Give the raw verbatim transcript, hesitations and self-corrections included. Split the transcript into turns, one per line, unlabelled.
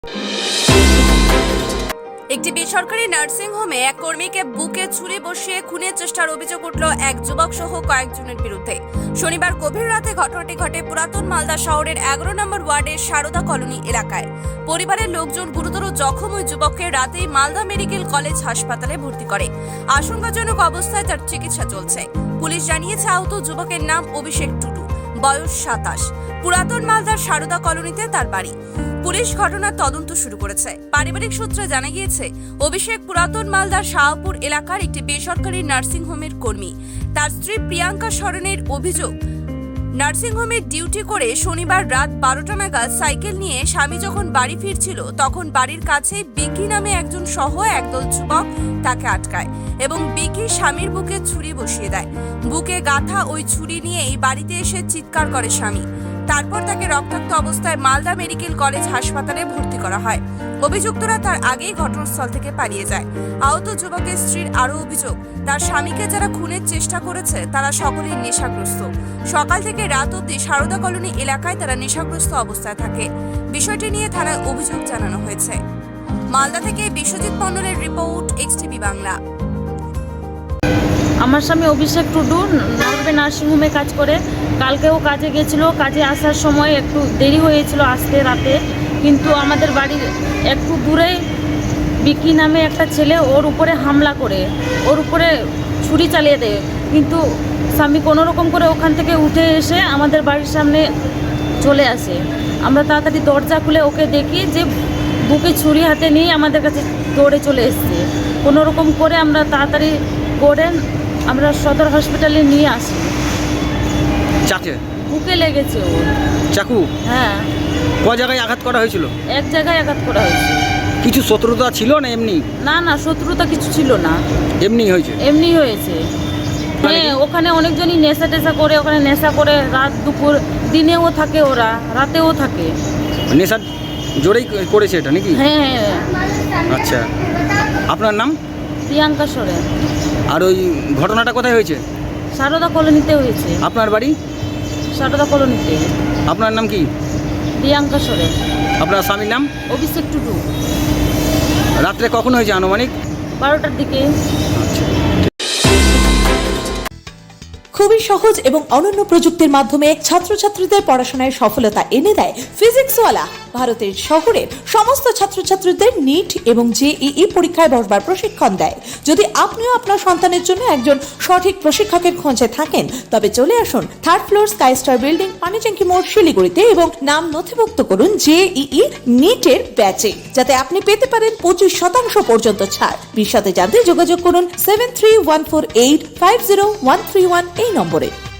একটি বেসরকারি নার্সিং হোমে এক কর্মীকে বুকে ছুরি বসিয়ে খুনের চেষ্টার অভিযোগ উঠল এক যুবক সহ কয়েকজনের বিরুদ্ধে। শনিবার গভীর রাতে ঘটনাটি ঘটে পুরাতন মালদা শহরের এগারো নম্বর ওয়ার্ডের সারদা কলোনি এলাকায়। পরিবারের লোকজন গুরুতর জখম ওই যুবককে রাতেই মালদা মেডিকেল কলেজ হাসপাতালে ভর্তি করে। আশঙ্কাজনক অবস্থায় তার চিকিৎসা চলছে। পুলিশ জানিয়েছে আহত যুবকের নাম অভিষেক টুডু, বয়স সাতাশ। পুরাতন মালদার সারদা কলোনিতে তার বাড়ি। পুলিশ ঘটনার তদন্ত শুরু করেছে। পারিবারিক সূত্রে জানা গিয়েছে, অভিষেক পুরাতন মালদার শাহপুর এলাকার একটি বেসরকারি নার্সিং হোমের কর্মী। তার স্ত্রী প্রিয়াঙ্কা সরেনের অভিযোগ, নার্সিং হোমে ডিউটি করে শনিবার রাত বারোটা নাগাদ সাইকেল নিয়ে স্বামী যখন বাড়ি ফিরছিল তখন বাড়ির কাছে বিকি নামে একজন সহ একদল যুবক তাকে আটকায় এবং বিকি স্বামীর বুকে ছুরি বসিয়ে দেয়। বুকে গাঁথা ওই ছুরি নিয়েই বাড়িতে এসে চিৎকার করে স্বামী। তারপর তাকে রক্তাক্ত অবস্থায় মালদা মেডিকেল কলেজ হাসপাতালে ভর্তি করা হয়। অভিযুক্তরা তার আগেই ঘটনাস্থল থেকে পালিয়ে যায়। আহত যুবকের স্ত্রীর আরও অভিযোগ, তার স্বামীকে যারা খুনের চেষ্টা করেছে তারা সকলেই নেশাগ্রস্ত। সকাল থেকে রাত অবধি সারদা কলোনি এলাকায় তারা নেশাগ্রস্ত অবস্থায় থাকে। বিষয়টি নিয়ে থানায় অভিযোগ জানানো হয়েছে। মালদা থেকে বিশ্বজিৎ মণ্ডলের রিপোর্ট, এক্সটিভি বাংলা।
আমার স্বামী অভিষেক টুডু নরবে নার্সিংহোমে কাজ করে। কালকেও কাজে গেছিলো। কাজে আসার সময় একটু দেরি হয়েছিল আসতে রাতে, কিন্তু আমাদের বাড়ির একটু দূরে বিকি নামে একটা ছেলে ওর উপরে হামলা করে ওর উপরে ছুরি চালিয়ে দেয়। কিন্তু স্বামী কোনো রকম করে ওখান থেকে উঠে এসে আমাদের বাড়ির সামনে চলে আসে। আমরা তাড়াতাড়ি দরজা খুলে ওকে দেখি যে বুকে ছুরি হাতে নিয়ে আমাদের কাছে দৌড়ে চলে এসছে। কোনো রকম করে আমরা তাড়াতাড়ি করে আমরা সদর হসপিটালে নিয়ে আসি।
চাকে
বুকে লেগেছে ওর
চাকু?
হ্যাঁ।
ক জায়গায় আঘাত করা হয়েছিল?
এক জায়গায় আঘাত করা হয়েছে।
কিছু শত্রুতা ছিল না এমনি?
না না, শত্রুতা কিছু ছিল না,
এমনি হয়েছে।
এমনি হয়েছে। হ্যাঁ, ওখানে অনেকজনই নেশা টেশা করে, ওখানে নেশা করে রাত দুপুর দিনেও থাকে, ওরা রাতেও থাকে।
নেশা জোরেই করেছে এটা নাকি?
হ্যাঁ হ্যাঁ।
আচ্ছা, আপনার নাম?
প্রিয়াঙ্কা সরেন।
আর ওই ঘটনাটা কোথায় হয়েছে?
সারদা কলোনিতে হয়েছে।
আপনার বাড়ি?
সারদা কলোনিতে।
আপনার নাম কি?
প্রিয়াঙ্কা সরেন।
আপনার স্বামীর নাম?
অভিষেক টুডু।
রাত্রে কখন হয়েছে আনুমানিক?
বারোটার দিকে।
আচ্ছা।
খুবই সহজ এবং অনন্য প্রযুক্তির মাধ্যমে ছাত্রছাত্রীদের পড়াশোনায় সফলতা এনে দেয় ফিজিক্সওয়ালা। ভারতের শহরের সমস্ত ছাত্রছাত্রীদের নিট এবং জেইই পরীক্ষায় বসবার প্রশিক্ষণ দেয়। যদি আপনিও আপনার সন্তানের জন্য একজন সঠিক প্রশিক্ষকের খোঁজে থাকেন, তবে চলে আসুন third floor sky star building, Panitanki মোড়, শিলিগুড়িতে এবং নাম নথিভুক্ত করুন জেইই নিটের ব্যাচে, যাতে আপনি পেতে পারেন পঁচিশ শতাংশ পর্যন্ত ছাড়। বিশদে জানতে যোগাযোগ করুন seven three one four eight five zero one three one এই নম্বরে।